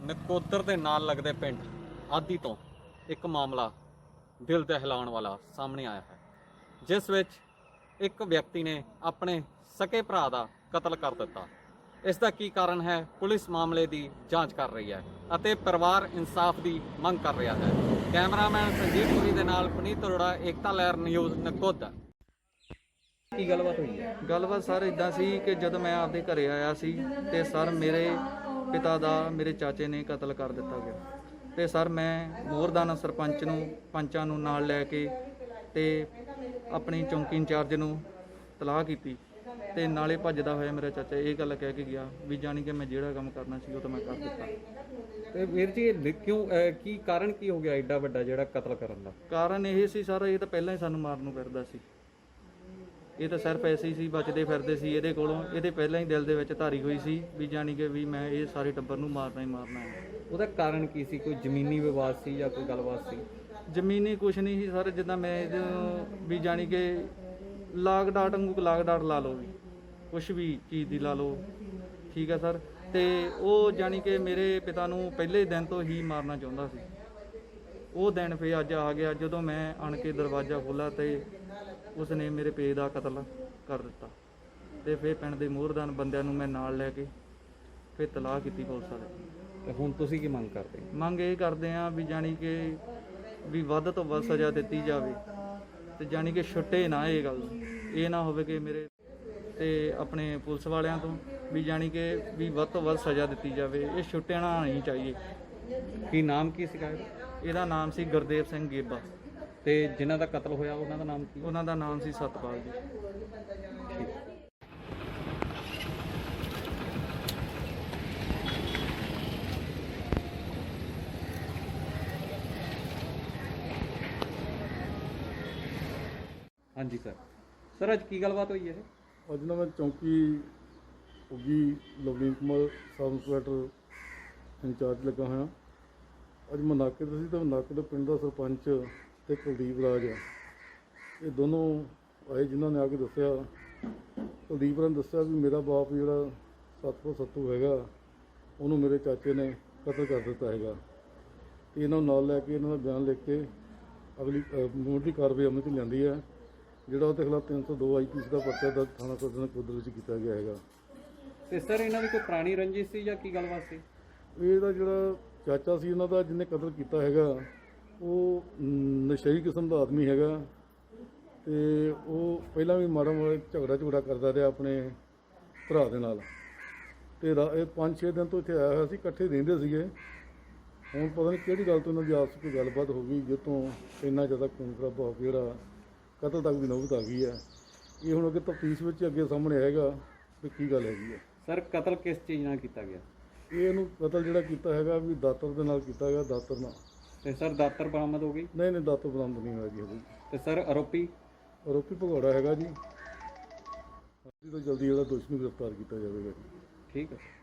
ਨਕੋਦਰ ਦੇ ਨਾਲ ਲੱਗਦੇ ਪਿੰਡ ਆਦੀ ਤੋਂ ਇੱਕ ਮਾਮਲਾ ਦਿਲ ਦਹਿਲਾਉਣ ਵਾਲਾ ਸਾਹਮਣੇ ਆਇਆ ਹੈ, ਜਿਸ ਵਿੱਚ ਇੱਕ ਵਿਅਕਤੀ ਨੇ ਆਪਣੇ ਸਕੇ ਭਰਾ ਦਾ ਕਤਲ ਕਰ ਦਿੱਤਾ। ਇਸ ਦਾ ਕੀ ਕਾਰਨ ਹੈ, ਪੁਲਿਸ ਮਾਮਲੇ ਦੀ ਜਾਂਚ ਕਰ ਰਹੀ ਹੈ ਅਤੇ ਪਰਿਵਾਰ ਇਨਸਾਫ ਦੀ ਮੰਗ ਕਰ ਰਿਹਾ ਹੈ। ਕੈਮਰਾਮੈਨ ਸੰਜੀਵ ਪੁਰੀ ਦੇ ਨਾਲ ਪੁਨੀਤ ਅਰੋੜਾ, ਏਕਤਾ ਲਹਿਰ ਨਿਊਜ਼, ਨਕੋਦਰ। ਕੀ ਗੱਲਬਾਤ ਹੋਈ ਹੈ? ਗੱਲਬਾਤ ਸਰ ਇਦਾਂ ਸੀ ਕਿ ਜਦੋਂ ਮੈਂ ਆਪਦੇ ਘਰੇ ਆਇਆ ਸੀ ਤੇ ਸਰ ਮੇਰੇ ਪਿਤਾ ਦਾ ਮੇਰੇ ਚਾਚੇ ਨੇ ਕਤਲ ਕਰ ਦਿੱਤਾ ਗਿਆ। ਤੇ ਸਰ ਮੈਂ ਮੋਰਦਾਨਾ ਸਰਪੰਚ ਨੂੰ ਪੰਚਾਂ ਨੂੰ ਨਾਲ ਲੈ ਕੇ ਤੇ ਆਪਣੀ ਚੌਂਕੀ ਇੰਚਾਰਜ ਨੂੰ ਤਲਾਹ ਕੀਤੀ ਤੇ ਨਾਲੇ ਭੱਜਦਾ ਹੋਇਆ ਮੇਰਾ ਚਾਚਾ ਇਹ ਗੱਲ ਕਹਿ ਕੇ ਗਿਆ ਵੀ ਜਾਣੀ ਕਿ ਮੈਂ ਜਿਹੜਾ ਕੰਮ ਕਰਨਾ ਸੀ ਉਹ ਤਾਂ ਮੈਂ ਕਰ ਦਿੱਤਾ। ਤੇ ਵੀਰ ਜੀ ਕਿਉਂ ਕੀ ਕਾਰਨ ਕੀ ਹੋ ਗਿਆ ਐਡਾ ਵੱਡਾ ਜਿਹੜਾ ਕਤਲ ਕਰਨ ਦਾ? ਕਾਰਨ ਇਹ ਸੀ ਸਰ, ਇਹ ਤਾਂ ਪਹਿਲਾਂ ਹੀ ਸਾਨੂੰ ਮਾਰਨ ਨੂੰ ਫਿਰਦਾ ਸੀ। ਇਹ ਤਾਂ ਸਿਰਫ ਐਸੇ ਹੀ ਸੀ, ਬਚਦੇ ਫਿਰਦੇ ਸੀ ਇਹਦੇ ਕੋਲੋਂ। ਇਹਦੇ ਪਹਿਲਾਂ ਹੀ ਦਿਲ ਦੇ ਵਿੱਚ ਧਾਰੀ ਹੋਈ ਸੀ ਵੀ ਜਾਣੀ ਕਿ ਵੀ ਮੈਂ ਇਹ ਸਾਰੇ ਟੱਬਰ ਨੂੰ ਮਾਰਨਾ ਹੀ ਮਾਰਨਾ ਹੈ। ਉਹਦਾ ਕਾਰਨ ਕੀ ਸੀ? ਕੋਈ ਜ਼ਮੀਨੀ ਵਿਵਾਦ ਸੀ ਜਾਂ ਕੋਈ ਗੱਲਬਾਤ ਸੀ? ਜ਼ਮੀਨੀ ਕੁਛ ਨਹੀਂ ਸੀ ਸਰ, ਜਿੱਦਾਂ ਮੈਂ ਵੀ ਜਾਣੀ ਕਿ ਲਾਗ ਡਾਟ ਵਾਂਗੂ ਲਾਗ ਡਾਟ ਲਾ ਲਓ, ਵੀ ਕੁਛ ਵੀ ਚੀਜ਼ ਦੀ ਲਾ ਲਓ, ਠੀਕ ਹੈ ਸਰ। ਤੇ ਉਹ ਜਾਣੀ ਕਿ ਮੇਰੇ ਪਿਤਾ ਨੂੰ ਪਹਿਲੇ ਦਿਨ ਤੋਂ ਹੀ ਮਾਰਨਾ ਚਾਹੁੰਦਾ ਸੀ। ਉਹ ਦਿਨ ਫਿਰ ਅੱਜ ਆ ਗਿਆ ਜਦੋਂ ਮੈਂ ਆਣ ਕੇ ਦਰਵਾਜ਼ਾ ਖੋਲ੍ਹਿਆ ਤੇ ਉਸਨੇ ਮੇਰੇ ਪੇ ਦਾ ਕਤਲ ਕਰ ਦਿੱਤਾ। ਤੇ ਫਿਰ ਪਿੰਡ ਦੇ ਮੋਹਰਦਾਨ ਬੰਦਿਆਂ ਨੂੰ ਮੈਂ ਨਾਲ ਲੈ ਕੇ ਫਿਰ ਤਲਾਹ ਕੀਤੀ ਪੁਲਿਸ ਵਾਲੇ। ਤੇ ਹੁਣ ਤੁਸੀਂ ਕੀ ਮੰਗ ਕਰਦੇ? ਮੰਗ ਇਹ ਕਰਦੇ ਹਾਂ ਵੀ ਜਾਣੀ ਕਿ ਵੀ ਵੱਧ ਤੋਂ ਵੱਧ ਸਜ਼ਾ ਦਿੱਤੀ ਜਾਵੇ ਤੇ ਜਾਣੀ ਕਿ ਛੁੱਟੇ ਨਾ ਇਹ ਗੱਲ। ਇਹ ਨਾ ਹੋਵੇ ਕਿ ਮੇਰੇ ਤੇ ਆਪਣੇ ਪੁਲਿਸ ਵਾਲਿਆਂ ਤੋਂ ਵੀ ਜਾਣੀ ਕਿ ਵੀ ਵੱਧ ਤੋਂ ਵੱਧ ਸਜ਼ਾ ਦਿੱਤੀ ਜਾਵੇ। ਇਹ ਛੁੱਟਣਾ ਨਹੀਂ ਚਾਹੀਏ। ਕੀ ਨਾਮ ਕੀ ਸੀਗਾ ਇਹਦਾ? ਇਹਦਾ ਨਾਮ ਸੀ ਗੁਰਦੇਵ ਸਿੰਘ ਗੇਬਾ ਤੇ ਜਿਨ੍ਹਾਂ ਦਾ ਕਤਲ ਹੋਇਆ ਉਹਨਾਂ ਦਾ ਨਾਮ ਕੀ? ਉਹਨਾਂ ਦਾ ਨਾਮ ਸੀ ਸਤਪਾਲ ਜੀ। ਹਾਂਜੀ ਸਰ ਅੱਜ ਕੀ ਗੱਲਬਾਤ ਹੋਈ ਹੈ? ਅੱਜ ਨਾ ਮੈਂ ਚੌਂਕੀ Uggi Lovleen Kumar sub inspector in charge ਲੱਗਾ ਹੋਇਆ। ਅੱਜ ਮੈਂ ਨਾਕੇ ਤੇ ਸੀ ਤਾਂ ਨਾਕੇ ਦੇ ਪਿੰਡ ਦਾ ਸਰਪੰਚ ਤੇ ਕੁਲਦੀਪ ਰਾਜ ਇਹ ਦੋਨੋਂ ਆਏ, ਜਿਨ੍ਹਾਂ ਨੇ ਆ ਕੇ ਦੱਸਿਆ। ਕੁਲਦੀਪ ਰਾਜ ਨੇ ਦੱਸਿਆ ਵੀ ਮੇਰਾ ਬਾਪ ਜਿਹੜਾ ਸੱਤੂ ਹੈਗਾ ਉਹਨੂੰ ਮੇਰੇ ਚਾਚੇ ਨੇ ਕਤਲ ਕਰ ਦਿੱਤਾ ਹੈਗਾ। ਤੇ ਇਹਨਾਂ ਨੂੰ ਨਾਲ ਲੈ ਕੇ ਇਹਨਾਂ ਦਾ ਬਿਆਨ ਲਿਖ ਕੇ ਅਗਲੀ ਮੁੱਢਲੀ ਕਾਰਵਾਈ ਅਮਲ 'ਚ ਲਿਆਂਦੀ ਹੈ। ਜਿਹੜਾ ਉਹਦੇ ਖਿਲਾਫ 302 IPC ਦਾ ਪਰਚਾ ਦਰਜ ਥਾਣਾ ਸਦਰ ਨਕੋਦਰ ਵਿੱਚ ਕੀਤਾ ਗਿਆ ਹੈਗਾ। ਤੇ ਸਰ ਇਹਨਾਂ ਦੀ ਕੋਈ ਪੁਰਾਣੀ ਰੰਜਿਸ਼ ਸੀ ਜਾਂ ਕੀ ਗੱਲਬਾਤ ਸੀ? ਇਹਦਾ ਜਿਹੜਾ ਚਾਚਾ ਸੀ ਇਹਨਾਂ ਦਾ ਜਿਹਨੇ ਕਤਲ ਕੀਤਾ ਹੈਗਾ ਉਹ ਨਸ਼ਈ ਕਿਸਮ ਦਾ ਆਦਮੀ ਹੈਗਾ ਤੇ ਉਹ ਪਹਿਲਾਂ ਵੀ ਮਾੜਾ ਝਗੜਾ ਕਰਦਾ ਰਿਹਾ ਆਪਣੇ ਭਰਾ ਦੇ ਨਾਲ। ਤੇ ਇਹ 5-6 ਦਿਨ ਤੋਂ ਇੱਥੇ ਆਇਆ ਹੋਇਆ ਸੀ, ਇਕੱਠੇ ਰਹਿੰਦੇ ਸੀਗੇ। ਹੁਣ ਪਤਾ ਨਹੀਂ ਕਿਹੜੀ ਗੱਲ ਤੋਂ ਇਹਨਾਂ ਦੀ ਆਪਸ ਵਿੱਚ ਗੱਲਬਾਤ ਹੋ ਗਈ ਜਿੱਥੋਂ ਇੰਨਾ ਜ਼ਿਆਦਾ ਖੂਨ ਖਰਾਬਾ ਹੋ ਗਿਆ, ਜਿਹੜਾ ਕਤਲ ਤੱਕ ਦੀ ਨੌਬਤ ਆ ਗਈ ਹੈ। ਇਹ ਹੁਣ ਅੱਗੇ ਤਫਤੀਸ਼ ਵਿੱਚ ਅੱਗੇ ਸਾਹਮਣੇ ਆਏਗਾ ਵੀ ਕੀ ਗੱਲ ਹੈਗੀ ਹੈ। ਸਰ ਕਤਲ ਕਿਸ ਚੀਜ਼ ਨਾਲ ਕੀਤਾ ਗਿਆ? ਇਹਨੂੰ ਕਤਲ ਜਿਹੜਾ ਕੀਤਾ ਹੈਗਾ ਵੀ ਦਾਤਰ ਦੇ ਨਾਲ ਕੀਤਾ ਗਿਆ, ਦਾਤਰ ਨਾਲ। ਤੇ ਸਰ ਦਾਤਰ ਬਰਾਮਦ ਹੋ ਗਈ? ਨਹੀਂ ਦਾਤਰ ਬਰਾਮਦ ਨਹੀਂ ਹੋਇਆ ਜੀ ਹਜੇ। ਤੇ ਸਰ ਆਰੋਪੀ ਭਗੌੜਾ ਹੈਗਾ ਜੀ। ਜਲਦੀ ਤੋਂ ਜਲਦੀ ਜਿਹੜਾ ਦੋਸ਼ੀ ਨੂੰ ਗ੍ਰਿਫਤਾਰ ਕੀਤਾ ਜਾਵੇਗਾ ਜੀ। ਠੀਕ ਹੈ।